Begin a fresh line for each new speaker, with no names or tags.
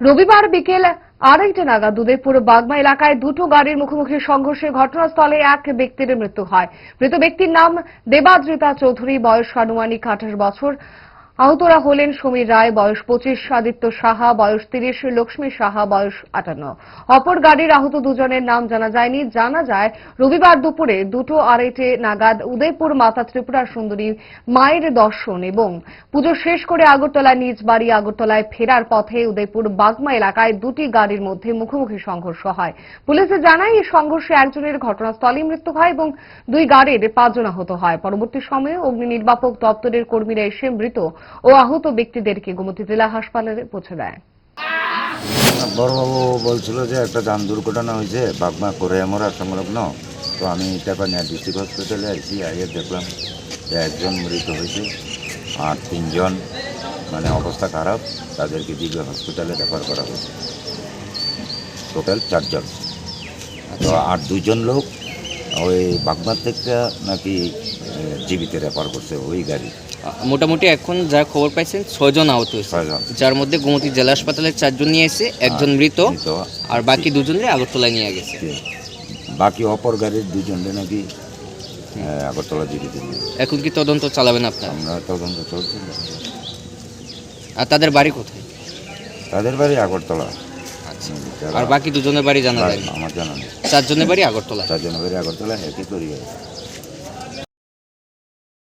রবিবার বিকেল 2:30 নাগাদ উদয়পুর বাগমা এলাকায় দুটো গাড়ির মুখোমুখি সংঘর্ষে ঘটনাস্থলে এক ব্যক্তির মৃত্যু হয়। মৃত ব্যক্তির নাম দেবাদ্রিতা চৌধুরী, বয়স আনুমানিক 28 বছর। আহতরা হলেন সমীর রায়, বয়স 25, আদিত্য সাহা, বয়স 30, লক্ষ্মী সাহা, বয়স 58। অপর গাড়ির আহত দুজনের নাম জানা যায়নি। জানা যায় রবিবার দুপুরে 2:30 নাগাদ উদয়পুর মাতা ত্রিপুরা সুন্দরী মায়ের দর্শন এবং পুজো শেষ করে আগরতলা নিজ বাড়ি আগরতলায় ফেরার পথে উদয়পুর বাগমা এলাকায় দুটি গাড়ির মধ্যে মুখোমুখি সংঘর্ষ হয়। পুলিশে জানায় এই সংঘর্ষে একজনের ঘটনাস্থলেই মৃত্যু হয় এবং দুই গাড়ির 5 জন আহত হয়। পরবর্তী সময়ে অগ্নি নির্বাপক দপ্তরের কর্মীরা এসে মৃত ও আহত ব্যক্তিদেরকে গোমতী জেলা হাসপাতালে পৌঁছে দেয়।
বড়বাবু বলছিল যে একটা যান দুর্ঘটনা হয়েছে বাগমা কোরিয়ামরা সংলগ্ন। তো আমি টাকা নিয়ে ডিস্ট্রিক্ট হসপিটালে আসি, আগে দেখলাম যে একজন মৃত হয়েছে আর 3 জন মানে অবস্থা খারাপ, তাদেরকে দিকে হসপিটালে রেফার করা হয়েছে। টোটাল 4 জন। তো আর 2 জন লোক ওই বাগমার থেকে নাকি জীবিত রেফার করছে ওই গাড়ি।
মোটামুটি এখন যা খবর পাইছেন 6 জন আহত হয়েছে,
6 জন।
যার মধ্যে গোমতী জেলা হাসপাতালে 4 জন নিয়ে এসে, একজন মৃত আর বাকি 2 জনকে আগরতলায় নিয়ে গেছে।
বাকি অপর গাড়ির 2 জনকে নাকি আগরতলা জীবিত নিয়ে।
এখন কি তদন্ত চালাবেন আপনারা?
আমরা তদন্ত চলছে।
আর তাদের বাড়ি কোথায়?
তাদের বাড়ি আগরতলা।
আচ্ছা, আর বাকি 2 জনের বাড়ি জানা যায় না?
আমার জানা নেই।
4 জনের বাড়ি আগরতলা।
4 জনের বাড়ি আগরতলা, একই করি।